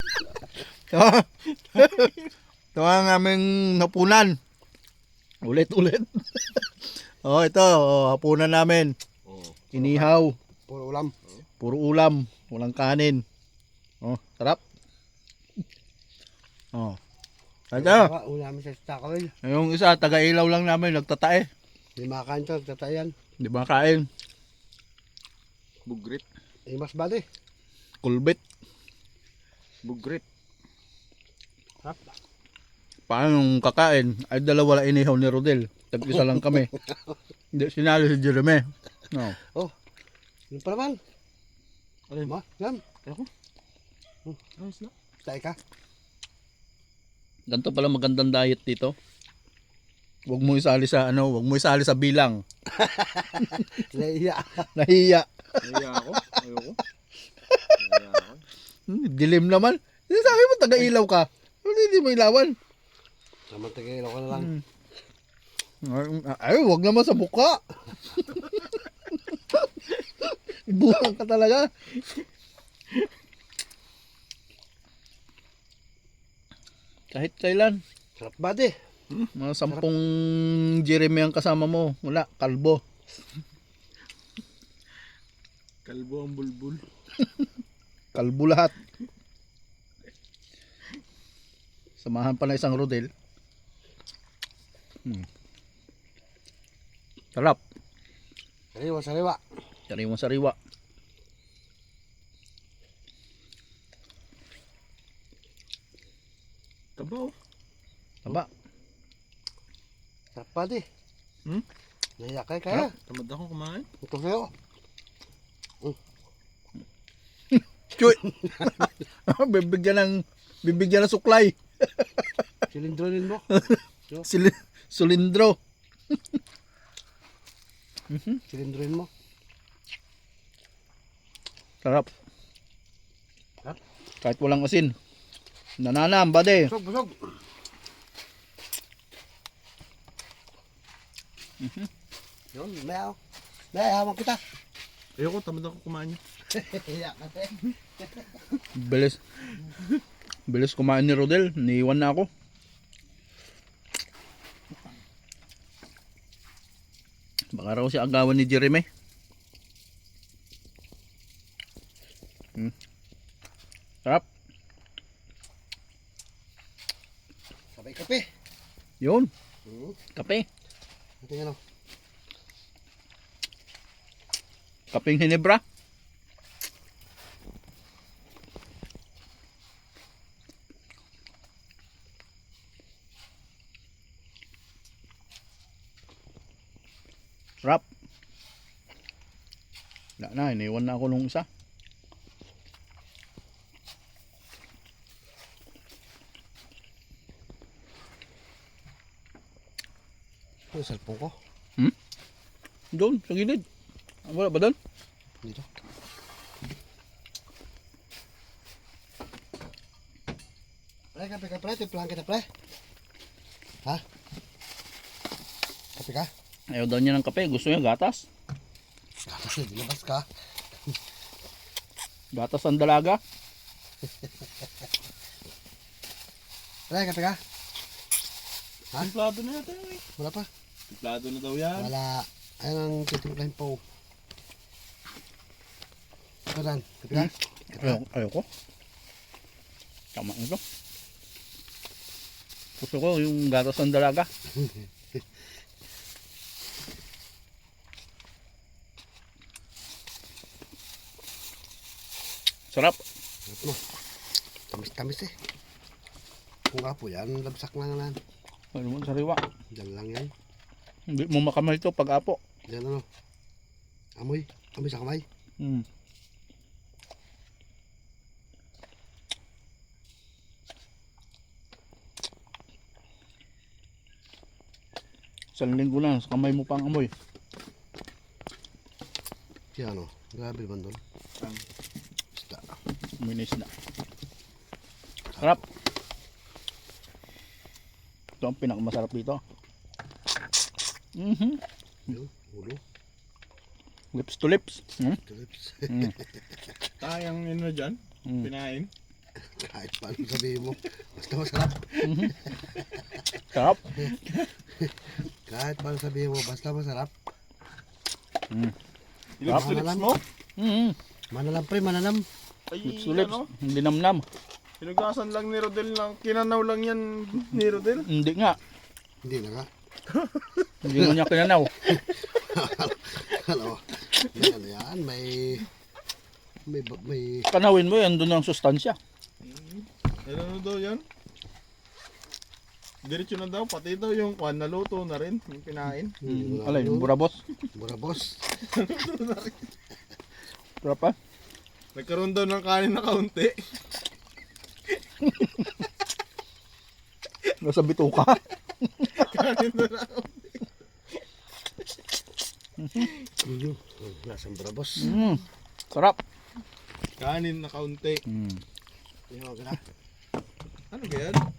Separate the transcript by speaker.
Speaker 1: Ito ang aming napunan. Ulit-ulit. Oh, ito. Oh, hapunan namin. Inihaw.
Speaker 2: Puro ulam.
Speaker 1: Puro ulam. Walang kanin. Oh, sarap. Oh. Ito.
Speaker 2: Ulam sa Takawil.
Speaker 1: Yung isa, taga-ilaw lang namin. Nagtatae.
Speaker 2: Hindi makain to, tatayan.
Speaker 1: Di ba kain?
Speaker 3: Bugrit.
Speaker 2: Mas bali.
Speaker 1: Kulbit.
Speaker 3: Bugrit.
Speaker 1: Paano nung kakain? Ay dalawa lang inihaw ni Rodel. Tag-isa lang kami. Hindi, sinali si Jeremy. No.
Speaker 2: Ano pa naman?
Speaker 3: Alin?
Speaker 2: Ma, yan.
Speaker 3: Ako? Ayos na.
Speaker 2: Tayo ka.
Speaker 1: Ganito pala magandang diet dito. Huwag mo isali sa huwag mo isali sa bilang.
Speaker 2: Naiya.
Speaker 1: Nahiya.
Speaker 3: Naiya ako. Ayoko. Naiya ako.
Speaker 1: Dilim naman. Sabi mo taga-ilaw ka. Hindi mo ilawan.
Speaker 2: Samantagayin ako na lang.
Speaker 1: Ay, wag naman sa mukha. Buhang ka talaga. Kahit kailan.
Speaker 2: Sarap bali.
Speaker 1: Mga 10 Jeremy ang kasama mo. Wala, kalbo.
Speaker 3: Kalbo ang bulbul.
Speaker 1: Kalbo lahat. Samahan pa na isang Rodel. Sarap.
Speaker 2: Sariwa, sariwa.
Speaker 1: Sariwa sariwa.
Speaker 3: Tabaw.
Speaker 1: Taba.
Speaker 2: Sarap bali. Naiya kayo kaya.
Speaker 3: Tamad ako kumain.
Speaker 2: Ito sa'yo.
Speaker 1: Chuy. bibigyan ng suklay.
Speaker 2: Silindronin mo.
Speaker 1: Sulindro.
Speaker 2: Silindronin mo.
Speaker 1: Sarap.
Speaker 2: Sarap.
Speaker 1: Kahit walang asin. Nananam, bade.
Speaker 2: Busog, busog. Yun, mayaw. Mayaw kita.
Speaker 3: Ayoko, tamad ako kumain.
Speaker 2: Iya kasi.
Speaker 1: Bilis. Bilis kumain ni Rodel. Niiwan na ako. Baka raw si agawan ni Jeremy. Sarap.
Speaker 2: Sabay kape.
Speaker 1: Yun. Kape.
Speaker 2: Ito nga no.
Speaker 1: Kapeng Hinebra. Sarap. Wala na, iniwan na ako nung isa.
Speaker 2: Ito yung cellphone ko.
Speaker 1: Doon, sa gilid. Wala ba doon?
Speaker 2: Dito. Pre, kape ka pre. Timplahan kita pre. Ha? Kape ka?
Speaker 1: Ayaw daw niya ng kape. Gusto niya gatas.
Speaker 2: Kasi dilabas ka.
Speaker 1: Gatas ang dalaga.
Speaker 2: Pre, kape ka? Ha?
Speaker 3: Templado na yata yun eh.
Speaker 2: Wala pa?
Speaker 3: Templado na daw yan.
Speaker 2: Wala. Ayun ang titimplahin po. Ito dan. Kape ka?
Speaker 1: Ayaw ko. Tama ito. Gusto ko yung gatas ng dalaga. Sarap.
Speaker 2: Sarap mo. Tamis-tamis eh. Kung apo yan, labsak lang yan.
Speaker 1: Ano mo sariwa.
Speaker 2: Diyan lang yan.
Speaker 1: Hindi mo makamay ito pag apo.
Speaker 2: Diyan ano. Amoy. Amoy sa kamay.
Speaker 1: Isang linggo na, sa kamay mo pang amoy.
Speaker 2: Siya ano. Grabe naman doon. Isda.
Speaker 1: Minis na. Sarap. Ito ang pinakamasarap dito.
Speaker 2: Yun. Ulo.
Speaker 1: Lips to lips.
Speaker 2: Tulips.
Speaker 3: Tayang ano dyan. Pinain.
Speaker 2: Kahit paano sabihin mo, basta masarap.
Speaker 1: Sarap.
Speaker 2: Kahit paano sabihin mo, basta masarap.
Speaker 3: Lips mo?
Speaker 1: Mm.
Speaker 2: Manalam pre, manalam.
Speaker 3: Ay,
Speaker 1: Lips to lips.
Speaker 3: ano?
Speaker 1: Hindi namnam.
Speaker 3: Sinugasan lang ni Rodel lang. Kinanaw lang yan ni Rodel.
Speaker 1: Hindi nga.
Speaker 2: Hindi na nga.
Speaker 1: Hindi mo niya kinanaw.
Speaker 2: Ano, ano yan, may
Speaker 1: Kanawin mo yan, doon ang sustansya.
Speaker 3: Ano daw yan? Diretso na daw, pati daw yung kwan, naluto na rin, yung kinain.
Speaker 1: Alay, burabos.
Speaker 2: burabos.
Speaker 1: Sarap pa.
Speaker 3: Nagkaroon daw ng kanin na kaunti.
Speaker 1: Nasa bituka.
Speaker 3: Kanin na na.
Speaker 2: Lasang burabos.
Speaker 1: Sarap.
Speaker 3: Kanin na kaunti.
Speaker 1: Mm.
Speaker 2: Yung gana.
Speaker 3: Ano ba yan?